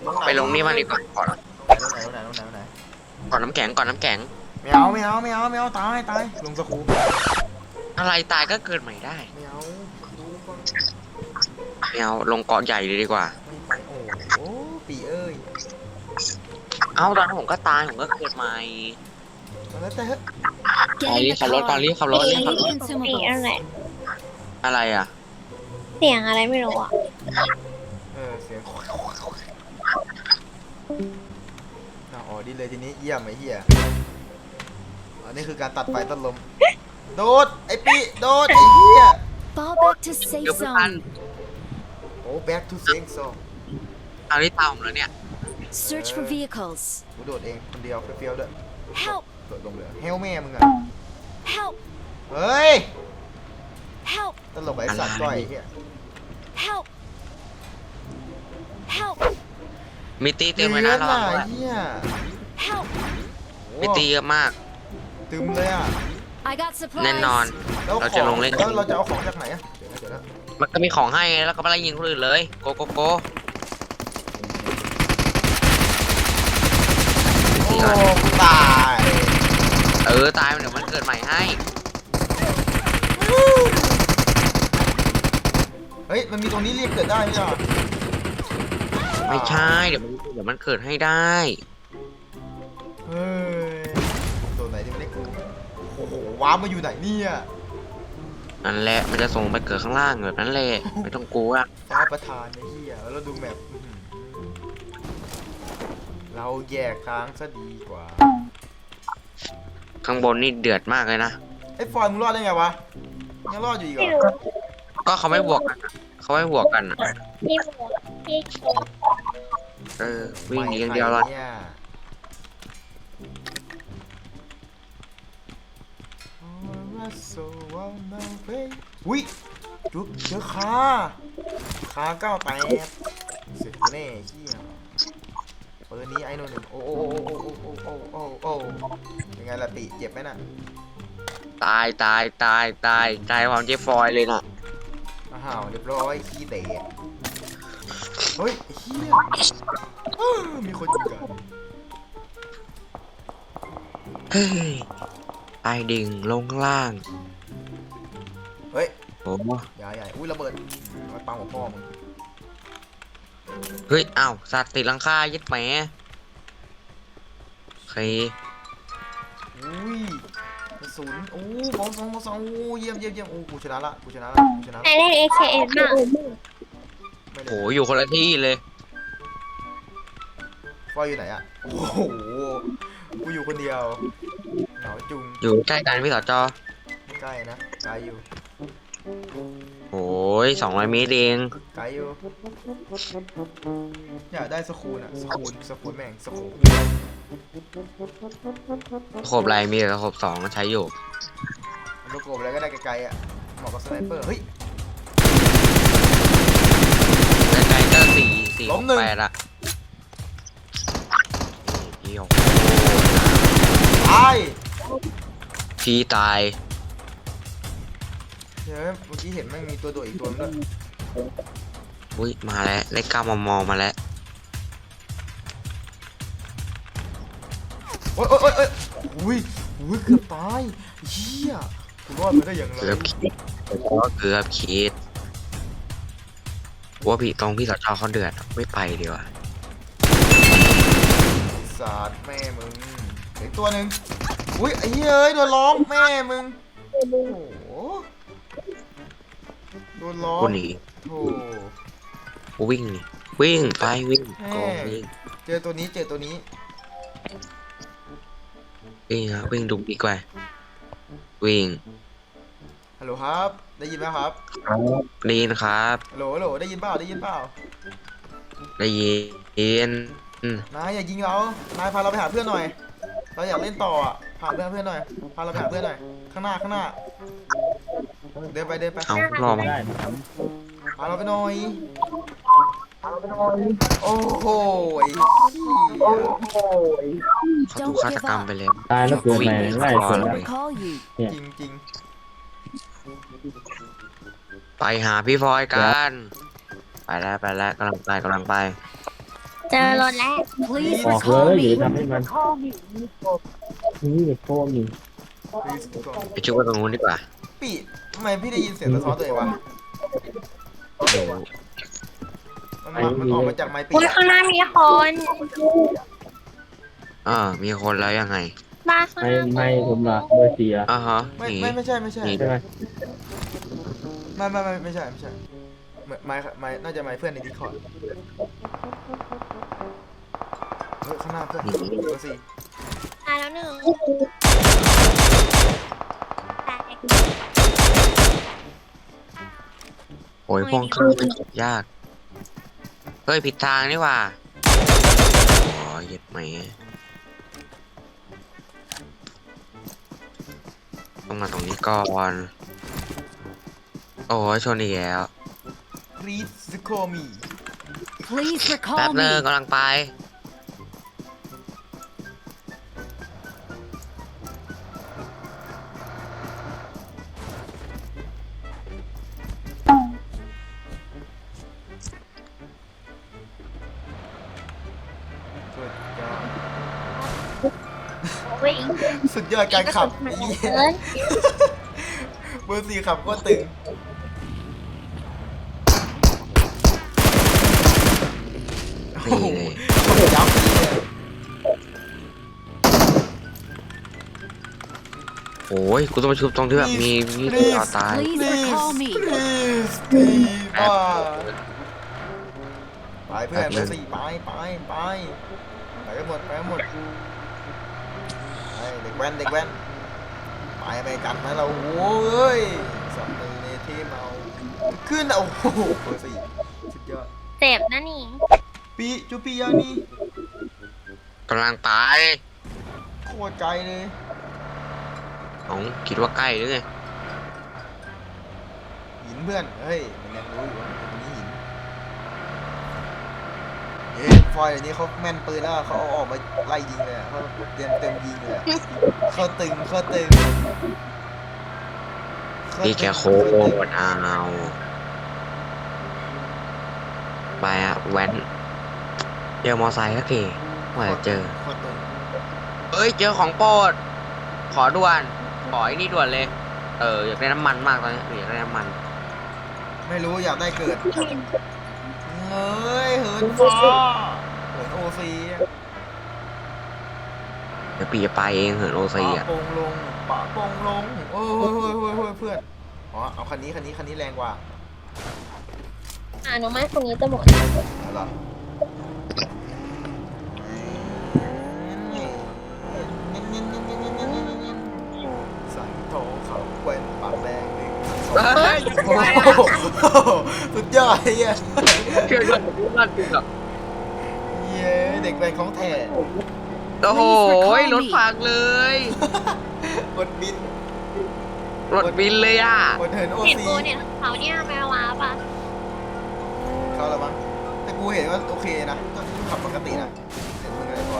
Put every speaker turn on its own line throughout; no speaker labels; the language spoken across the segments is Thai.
ไปลงนี่มาดีกว่าขอ
ตรงไหน
ขอน้ำแข็งก่อนน้ำแข็ง
ไม่เอาไม่เอาไม่เอาไม่เอาตายตายลงสกู
อะไรตายก็เกิดใหม่ได้
ไม่เอาดูก่อน
ไม่เอาลงเกาะใหญ่เลยดีกว่า
ไม่ไปโอ้ปีเอ้ย
เอาตอนนั้นผมก็ตายผมก็เกิดใหม่
แล้วแต่เฮ้ย
ไปรีบขับรถก่อนรีบขับรถรีบขับรถ
เสียงอะไร
อะไรอ่ะ
เสียงอะไรไม่รู้อ่ะ
เสียงอ๋อดีเลยทีนี้เยี่ยมไอ้เหี้ยอันนี้คือการตัดไฟตัดลมโดดไอ้ปีโดดไอ้เหี้ย
Fall back to safe
เดี๋ยวไม่ทัน
zone.
โอ้ back to safe zone
เอาที่ตามผมแล้วเนี่ย
Search for vehicles.
กูโดดเองคนเดียวเฟี้ยวๆด้วย
Help!
โดดลงเลยเฮลแม่มึงอะ
Help!
เฮ้ย
Help!
ตลกไอ้สัตว์ก้อยไอ้เหี้ย
Help! Help!
มีตีเต็มเลยนะระวังด้วย
เหี้ย
Help!
มีตีเยอะมาก
ตึมเลยอ่ะ
I got
แน่นอน
supplies.
แล้ว
เราจะลงเล่น
แล้วเราจะเอาของจากไหนอ่ะเดี๋ยวนะ
มันก็มีของให้ไงแล้วก็ไปไล่ยิงคนอื่นเลยโกโกโก
โอ้กูตาย
ตายเดี๋ยวมันเกิดใหม่ให้
เฮ้ยมันมีตรงนี้เรียกเกิดได้ไหมอ่ะ
ไม่ใช่เดี๋ยวมันเกิดให้ได้
เฮ้ยตัวไหนที่ไม่ได้กูโอ้โหว้าร์ปมาอยู่ไหนเนี่ย
นั่นแหละมันจะส่งไปเกิดข้างล่างแบบนั้นแหละไม่ต้องกลัว
ฟ้าประธานไอ้เหี้ยแล้วดูแมปเราแยกทางซะดีกว่า
ข้างบนนี่เดือดมากเลยนะ
ไอ้ฟอยมึงรอดได้ไงวะยังรอดอยู่อีกเหร
ไม่
อ
รู้
ก็เขาไม่บวกกันอะเขาไม่บวกกันอะ
พี่หมูพี่โก
วิ่งหนีอย่างเดียวเลย
ไม่เนี่ยอุ้ยจุ๊บเจอขา98เสร็จกูแน่เหี้ยเปิดนี้ไอ้โน่นหนึ่งโอ้ยังไงล่ะติเจ็บไหมน่ะ
ตายความเจ๊ฟอยเลยนะ
อ้าวเรียบร้อยขี้เตะเฮ้ยเฮียมีคนยิงกัน
เฮ้ยตายดิ่งลงข้างล่าง
เฮ้ย
โอ้
ใหญ่อุ้ยระเบิดมาปังหัวพ่อมึง
เฮ้ยอ้าวสัตว์ติดหลังคายึดแหมโอเค
อุ้ยกระสุนโอ้บอลสองโอ้เยี่ยมโอ้กูชนะละ
ใครเล่น AKM บ้าง
ไม่
โห
เลย
อยู่คนละที่เลย
ฟอยอยู่ไหนอะโอ้โหกูอยู่คนเดียวเหงาจุง
อยู่ใกล้กันพี่สจ
ไม่ใกล้นะไกลอยู่
โอ้ย200 เมตรเอง
ไกลอยู่อยากได้สคูลอะสคูลแม่งสคูล
ขบไรมีแต่ขบ2ใช้อยู่
มันประกบอะไรก็ได้ไกลๆอะเหมาะกับสไนเปอร์เฮ้ย
ไกลๆก็4
ล้ม
6
หนึ่ง
8อะพี่โอ้
ตาย
พี่ตาย
เฮ้ยเมื่อกี้เห็นแม่งมีตัวโดดอีกตัวนึงด้วย
อุ้ยมาแล้วเลข9 มมมาแล้ว
โอ้ยอุ้ยเกือบตายเหี้ยกูรอดมาได้อย่างไร
เกือบคิดว่าพี่พี่สจเขาเดือดไม่ไปดีกว่า
ศาสตร์แม่มึงอีกตัวหนึ่งอุ้ยไอ้เหี้ยเอ้ยโดนล้อมแม่มึงโอ้โหโดนล้อม
กูหนี
โธ่
กูวิ่งนี่วิ่งไปวิ่งก็วิ่ง
เจอตัวนี้
วิ่งครับวิ่งดุดีกว่าวิ่ง
ฮัลโหลครับได้ยินไหมครับ
ได้ยินครับ
ฮัลโหลได้ยินเปล่า
ได้ยิน
นายอย่ายิงเรานายพาเราไปหาเพื่อนหน่อยเราอยากเล่นต่ออ่ะพาเพื่อนหน่อยพาเราไปหาเพื่อนหน่อยข้างหน้าเดินไป
เอารอมา
พาเราไปหน่อยโอ้โหไอ้เหี้ย
เขาถูกฆาตกรรมไปแล้ว
ตายแล้วเกิดใหม่ไล่คนละ
Recall you.
จริง
ไปหาพี่พลอยกันไปแล้วกำลังไป
เจอรถแล้ว
Please
ออกเล
recall
ยหรือ
me.
ทำให้มันนี่โคมอยู่
Please go
ไปช่วยตรงนู้นดีกว่า
ปีทำไมพี่ได้ยินเสียงสะท้อนตัวเองวะ
เดี๋ยว
มันออกมาจากไม้ปี
อุ้ยข้างหน้ามีคน
มีคนแล้วยังไง
บ้านข้างห
ไม่
น้า
ผมละเบอร์4อ่ะ
ฮะ
ไม่
หนี
ไม่ใช่ไม่ใช่
หนี
ใช่ไหม
ไม่ใช่ไม้น่าจะไม้เพื่อนในดิสคอร์ดเฮ้ยข้างหน้าเพื่อนเบอร์สี่
ตายแล้วหนึ่งแตก
โอ้ยพวงเครื่องมันจบยาก เฮ้ยผิดทางนี่หว่าอ๋อเหย็ดไหมต้องมาตรงนี้ก่อน โอ้ยชนอีกแล้ว
Please call me
Please
แป๊บ
recall
นึง
me.
กำลังไป
วิ่ง
สุดยอดการขับไอ้เหี้ย
เอ้ย
เบอร์สี่ขับก็ตึงโอ้
นี่
โห
เลย
ยับเลย
โอ้ยกูต้องมาชุบตรงที่แบบมีต่อตาย
Please recall me.
please บ้าไปเพื่อนเบอร์สี่ไปกันหมดไปเด็กแว้นไปกันนะเราโว้ยสองมือในทีมเราขึ้นโอ้โหเบอร์สี่สุดยอด
เจ็บนะนี่
จูปียานี่
กำลังไป
โคตรไกลเลย
น้องคิดว่าใกล้หรือไง
หินเพื่อนเฮ้ยมันยังรู้อยู่ว่ามันมีหินฟอยเดี๋ยวนี้เขาแม่นปืนแล้วเขาเอาออกมาไล่ยิงเลยเขาเต็มยิงเลยเขาตึง
นี่แกโคตรเอาไปอะแว้นเจอมอไซค์สักทีว่าจะเจอ
โคตรตึง
เอ้ยเจอของโปรดขอด่วน ขอไอ้นี่ด่วนเลย อยากได้น้ำมันมากตอนนี้อยากได้น้ำมัน
ไม่รู้อยากได้เกิดเฮ้ยเหินฟ้าเหินโอซี
เดี๋ยวปีจะไปเองเหินโอซีอ่ะ
ปะปงลงโอ้ยเพื่อนอ๋อเอาคันนี้แรงกว่า
น้องไม้คนนี้จะหมด
เอาล่ะสังโถเขาเว้นปากแดงหนึ่ง
เฮ้ย
โอ้โหสุดยอดไอ้เหี้ย
เชื่อด้วยรอดจริงเหรอ
เย้เด็กแว้นของแท้
โอ้โหรถพังเลย
กดบิน
รถบินเลยอ่ะ
กดเหินโอ
เห็น
ซี
กูเนี่ยเขาเนี่ยแมวว้าป่ะ
เข้าแล้วมั้งแต่กูเห็นว่าโอเคนะก็ขับปกตินะเห็นมึงอะไรก่อน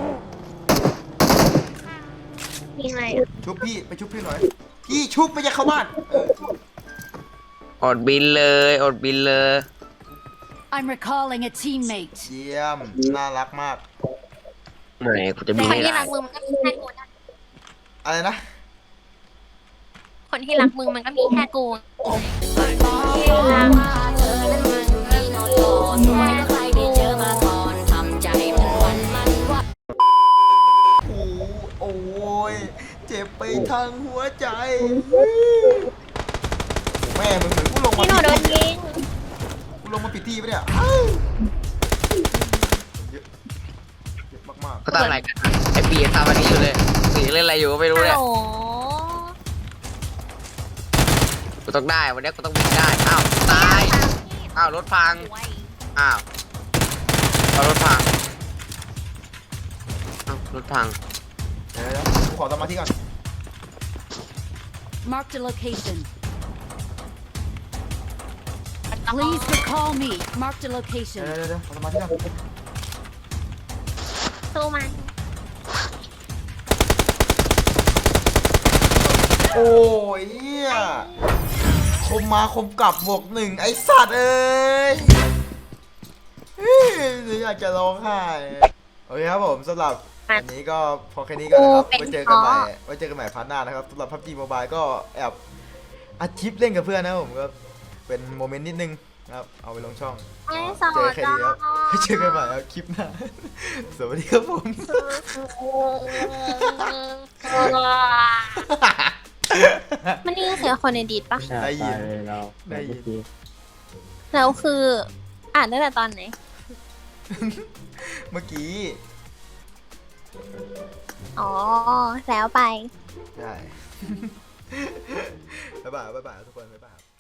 มีอะไรอ่ะ
ชุบพี่ไปชุบพี่หน่อยพี่ชุบไม่ใช่เข้าบ้าน
อดบินเลยอดบินเลย
I'm recalling a teammate.
เยี่ยมน่ารักมาก
เมื่อไหร่กูจะบิน
คน
ให้
ที่
ได้
รักมึงมันก็มีแค่กูนะ
อะไรนะ
คนที่รักมึงมันก็มีแค่กูรัก
โอ้ยเจ็บไปทั้งหัวใจแม่มึงเหมือนกูลงมา
พี่หนูโดนยิง
กูลงมาผิดที่ปะเนี่ยเยอะมาก
เขาทำอะไรกันไอ้ปีทำอันนี้อยู่เลยปีเล่นอะไรอยู่ก็ไม่รู้
ฮัล
เนี่ย
โหล
กูต้องได้วันนี้กูต้องบินได้อ้าวตายอ้าวรถพังอ้าวรถพังอ้าวรถพัง
เดี๋ยวกูขอสมาธิก่อน
Marked a location. Please recall me. Marked a
เดี๋
location.
ยวขอสมาธิก่อน
สู้มัน
โอ้ยเหี้ยคมมาคมกลับบวกหนึ่งไอ้สัตว์เอ้ยอยากจะร้องไห้โอเคครับผมสำหรับวันนี้ก็พอแค่นี้ก่อนนะครับไว้เจอกันใหม่พาร์ทหน้านะครับสำหรับ PUBG Mobile ก็แอบอัดคลิปเล่นกับเพื่อนนะครับผมก็เป็นโมเมนต์นิดนึงนะครับเอาไปลงช่อง
ไม่สอ
เจอน แค่นี้ครับไว้เจอกันใหม่ครับคลิปหน้าสวัสดีครับผม
มันนี่เสียงคนในดีดปะ
ได้ยิน
ตาเลยเรา
ได้ยิน
เมื่อกี้
แล้วคืออ่านตั้งแต่ตอนไหน
เมื่อกี้
อ๋อ แล้วไป
ใช่ บ๊ายบายทุกคนบ๊ายบาย